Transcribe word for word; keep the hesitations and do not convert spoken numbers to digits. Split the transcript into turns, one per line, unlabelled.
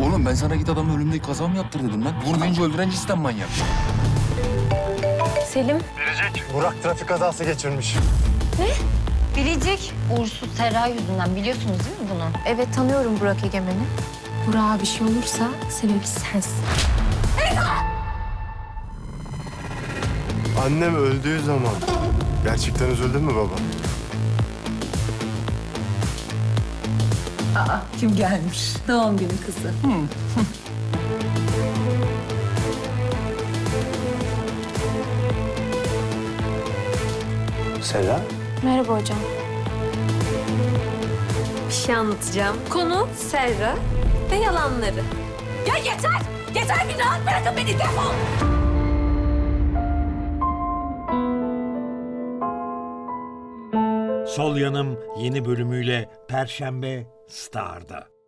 Oğlum ben sana git adamın ölümdeki kaza mı yaptır dedim lan. Vurmayınca öldüren cidden manyak.
Selim.
Burak trafik kazası geçirmiş.
Biricik. Uğursuz Serra yüzünden biliyorsunuz değil mi bunu? Evet tanıyorum Burak Egemen'i. Burak'a bir şey olursa sebebi sensin.
Annem öldüğü zaman gerçekten üzüldün mü baba?
Kim gelmiş? Doğum günü kızı.
Serra?
Merhaba hocam.
Bir şey anlatacağım. Konu Serra ve yalanları. Ya yeter! Yeter, bir rahat bırakın beni, defol!
Sol Yanım yeni bölümüyle Perşembe Star'da.